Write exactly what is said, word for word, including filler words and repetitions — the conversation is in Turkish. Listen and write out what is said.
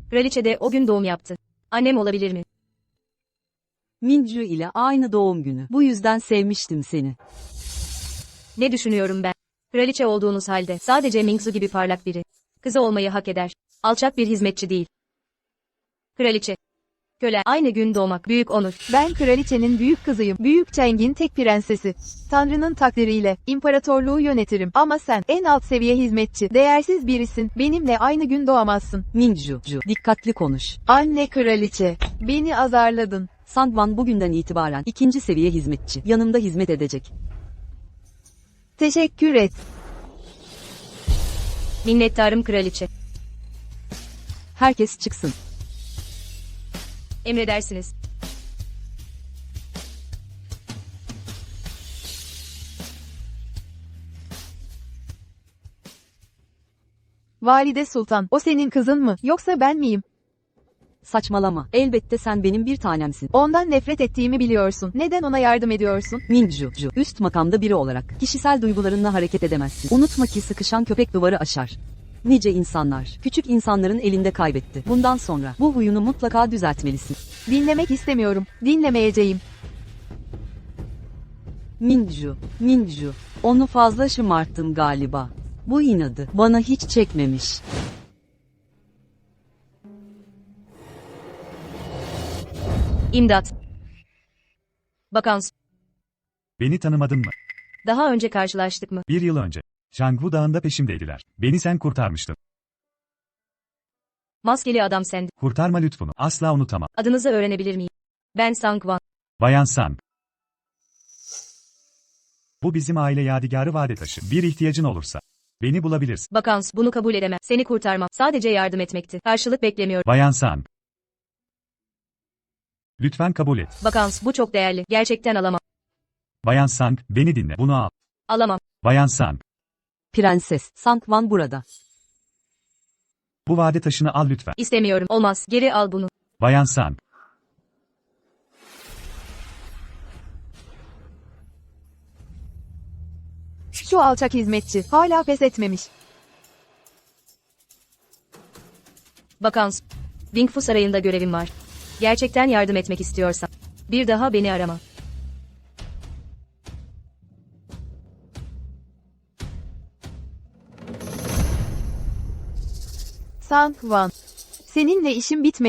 Kraliçe de o gün doğum yaptı. Annem olabilir mi? Minju ile aynı doğum günü. Bu yüzden sevmiştim seni. Ne düşünüyorum ben? Kraliçe olduğunuz halde sadece Mingzu gibi parlak biri. Kızı olmayı hak eder. Alçak bir hizmetçi değil. Kraliçe. Köle. Aynı gün doğmak büyük onur. Ben kraliçenin büyük kızıyım. Büyük Cheng'in tek prensesi. Tanrı'nın takdiriyle imparatorluğu yönetirim. Ama sen en alt seviye hizmetçi, değersiz birisin. Benimle aynı gün doğamazsın. Minju, dikkatli konuş. Anne kraliçe, beni azarladın. Sangwan bugünden itibaren ikinci seviye hizmetçi. Yanımda hizmet edecek. Teşekkür et. Minnettarım kraliçe. Herkes çıksın. Emredersiniz. Valide Sultan, o senin kızın mı, yoksa ben miyim? Saçmalama. Elbette sen benim bir tanemsin. Ondan nefret ettiğimi biliyorsun. Neden ona yardım ediyorsun? Minju, üst makamda biri olarak kişisel duygularınla hareket edemezsin. Unutma ki sıkışan köpek duvarı aşar. Nice insanlar, küçük insanların elinde kaybetti. Bundan sonra bu huyunu mutlaka düzeltmelisin. Dinlemek istemiyorum. Dinlemeyeceğim. Minju, Minju, onu fazla şımarttım galiba. Bu inadı bana hiç çekmemiş. İmdat. Bakans. Beni tanımadın mı? Daha önce karşılaştık mı? Bir yıl önce. Shangwu Dağı'nda peşimdeydiler. Beni sen kurtarmıştın. Maskeli adam sendin. Kurtarma lütfunu. Asla unutamam. Adınızı öğrenebilir miyim? Ben Sangwan. Bayan Sang. Bu bizim aile yadigarı vade taşı. Bir ihtiyacın olursa beni bulabilirsin. Bakans, bunu kabul edemem. Seni kurtarmam. Sadece yardım etmekti. Karşılık beklemiyorum. Bayan Sang. Lütfen kabul et. Bakans, bu çok değerli. Gerçekten alamam. Bayan Sang, beni dinle. Bunu al. Alamam. Bayan Sang. Prenses, Sangwan burada. Bu vade taşını al lütfen. İstemiyorum. Olmaz. Geri al bunu. Bayan Sang. Şu alçak hizmetçi, hala pes etmemiş. Bakans. Dingfu Sarayı'nda görevim var. Gerçekten yardım etmek istiyorsan bir daha beni arama. Sangwan. Seninle işim bitmedi.